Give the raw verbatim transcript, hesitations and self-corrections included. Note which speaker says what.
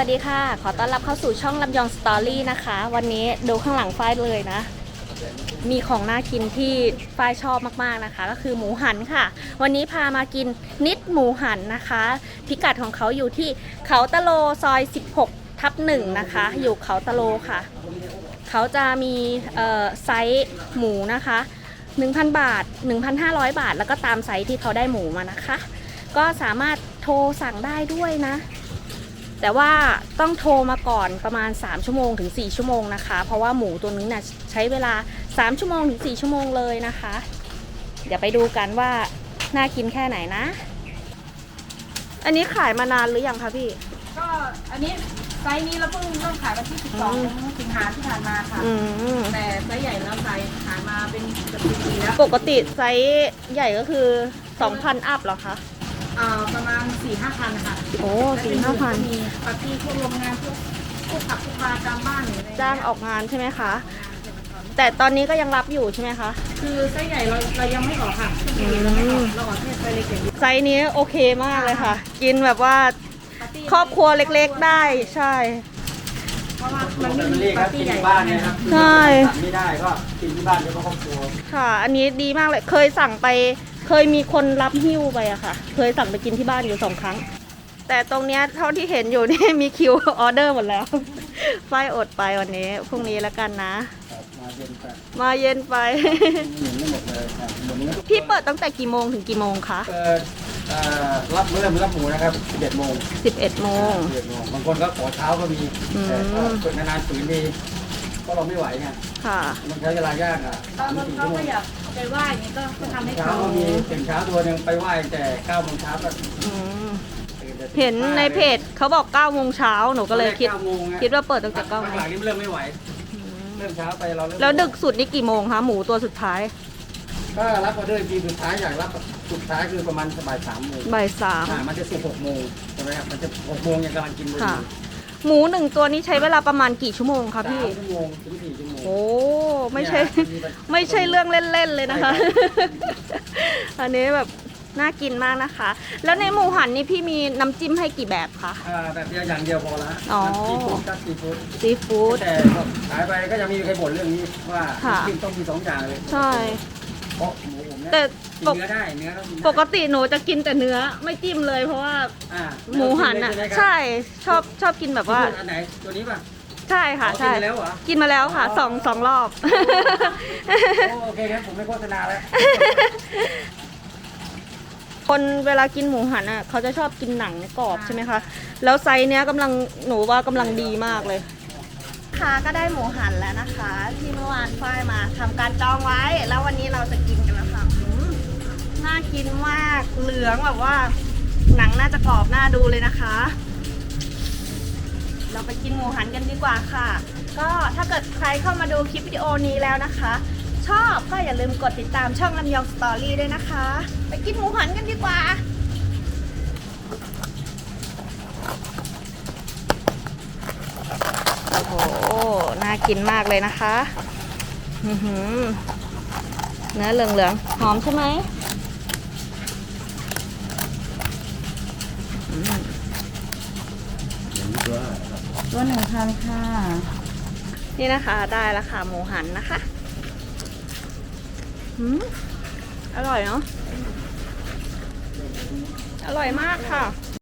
Speaker 1: วัสดีค่ะขอต้อนรับเข้าสู่ช่องลำยองสตอรี่นะคะวันนี้ดูข้างหลังฝ้ายเลยนะมีของน่ากินที่ฝ้ายชอบมากๆนะคะก็คือหมูหันค่ะวันนี้พามากินนิดหมูหันนะคะพิกัดของเขาอยู่ที่เขาตะโลซอยสิบหกทับหนึ่งนะคะอยู่เขาตะโลค่ะเขาจะมีไซส์หมูนะคะ หนึ่งพัน บาท หนึ่งพันห้าร้อย บาทแล้วก็ตามไซส์ที่เขาได้หมูมานะคะก็สามารถโทรสั่งได้ด้วยนะแต่ว่าต้องโทรมาก่อนประมาณสามชั่วโมงถึงสี่ชั่วโมงนะคะเพราะว่าหมูตัวนี้นะ่ะใช้เวลาสามชั่วโมงถึงสี่ชั่วโมงเลยนะคะเดี๋ยวไปดูกันว่าน่ากินแค่ไหนนะอันนี้ขายมานานหรือยังคะพี่
Speaker 2: ก็อันนี้ไซส์นี้เราเพิ่งเริ่มขายวันที่สิบสองสิงหาที่ผ่านมาค่ะแต่ไซส์ใหญ่เราขายขายมาเป็นเกือบปีแล้ว
Speaker 1: ปกติไซส์ใหญ่ก็คือ สองพัน อัพเหรอคะ
Speaker 2: อ่าประมาณ สี่ห้าพัน ค่ะ
Speaker 1: โอ้ สี่ห้าพัน
Speaker 2: มีปาร์ตี้พวกโรงงานพวกพวกผับพวกบาร์ตามบ้านอะไร
Speaker 1: จ้างออกงานใช่ไหมคะแต่ตอนนี้ก็ยังรับอยู่ใช่ไหมคะ
Speaker 2: คือไซส์ใหญ่เราเรายังไม่ออกค่ะเราไม่ออกเราออกแค่ไซส์เล็กอย่างเดียว
Speaker 1: ไซส์นี้โอเคมากเลยค่ะกินแบบว่าครอบครัวเล็กๆได้ใช่
Speaker 2: เพราะว่ามันไม่มีปาร์ตี้ใหญ่
Speaker 3: บ้านเนี่ยครับ
Speaker 1: ใช่
Speaker 3: ไม่ได้ก็กินที่บ้านเฉพาะครอบครัว
Speaker 1: ค่ะอันนี้ดีมากเลยเคยสั่งไปเคยมีคนรับหิ้วไปอะค่ะเคยสั่งไปกินที่บ้านอยู่สองครั้งแต่ตรงเนี้ยเท่าที่เห็นอยู่นี่มีคิวออเดอร์หมดแล้วฝ้ายอดไปวันนี้พรุ่งนี้แล้วกันนะ
Speaker 3: มาเย็นไป
Speaker 1: มาเย็นไป
Speaker 3: ไม่หมดเลย
Speaker 1: พี่เปิดตั้งแต่กี่โมงถึงกี่โมงคะ
Speaker 3: เปิดรับเริ่มรับหมูนะครับสิบเอ็ดโมง
Speaker 1: สิบเอ็ดโมง
Speaker 3: บางคนก็ขอเช้าก็มีแต่เปิดนานๆฝืนดีก็เราไม่ไหวไง
Speaker 1: ค่ะ
Speaker 3: มันใช้เวลายากอ่ะ
Speaker 2: ตอนเขาก็อยากไปไหว้นี่ก็ทำให้เขา
Speaker 3: ก็มีถึงเช้าตัวนึงไปไหว้แต่เก้าโมงเช้าก็
Speaker 1: เห็นในเพจเขาบอกเก้าโมงเช้าหนูก็เลยคิดคิดว่าเปิดตั้งแต่เก้าโมง
Speaker 3: หลังนี้เริ่มไม่ไหวเริ่มเช้าไปเรา
Speaker 1: แล้วดึกสุดนี่กี่โมงคะหมูตัวสุดท้าย
Speaker 3: ก็รับออเดอร์ทีสุดท้ายอยากรับสุดท้ายคือประมาณบ่ายสามโมง
Speaker 1: บ่ายสาม
Speaker 3: มันจะสิบหกโมงใช่ไหมครับมันจะหกโมงยังกำลังกิน
Speaker 1: ค่ะหมูหนึ่งตัวนี้ใช้เวลาประมาณกี่ชั่วโมงคะพี่
Speaker 3: สามชั่วโมงถึงสี่ชั่วโมง
Speaker 1: โอ้ไม่ใช่ไม่ใช่เรื่องเล่นๆเลยนะคะอันนี้แบบน่ากินมากนะคะแล้วในหมูหันนี่พี่มีน้ำจิ้มให้กี่แบบคะ
Speaker 3: อ่าแบบเดียวอย่างเดียวพอละ
Speaker 1: อ๋อ
Speaker 3: ซีฟู้ดกับซีฟู้ด
Speaker 1: ซีฟู้ด
Speaker 3: แต่ขายไปก็จะมีใครบ่นเรื่องนี้ว่าจิ้มต้องมีสองอย่างเลย
Speaker 1: ใช่
Speaker 3: เพราะหมูผมเนี่ย
Speaker 1: แต่
Speaker 3: เนื้อได้เนื้อ
Speaker 1: ปกติหนูจะกินแต่เนื้อไม่จิ้มเลยเพราะว่าหมูหันอ่ะใช่ชอบชอบกินแบบว่า
Speaker 3: อันไหนตัวนี้ป่ะ
Speaker 1: ใช่ค่ะใช่กินมาแล้วค่ะสองสองรอบ
Speaker 3: โอเคงั้นผมไม่โฆษณาแล้ว
Speaker 1: คนเวลากินหมูหันอ่ะเขาจะชอบกินหนังกรอบใช่ไหมคะแล้วไซส์เนี้ยกำลังหนูว่ากำลังดีมากเลยค่ะก็ได้หมูหันแล้วนะคะที่เมื่อวานฝ้ายมาทำการจองไว้แล้ววันนี้เราจะกินกันแล้วค่ะน่ากินมากเหลืองแบบว่าหนังน่าจะกรอบน่าดูเลยนะคะเราไปกินหมูหันกันดีกว่าค่ะก็ถ้าเกิดใครเข้ามาดูคลิปวิดีโอนี้แล้วนะคะชอบก็อย่าลืมกดติดตามช่องลำยองสตอรี่ด้วยนะคะไปกินหมูหันกันดีกว่าโอ้โหน่ากินมากเลยนะคะอื้อหือเนื้อเหลืองๆหอมใช่ไหม
Speaker 2: ตัวหนึ่งพันค่ะ
Speaker 1: นี่นะคะได้แล้วค่ะหมูหันนะคะอืมอร่อยเนาะอร่อยมากค่ะ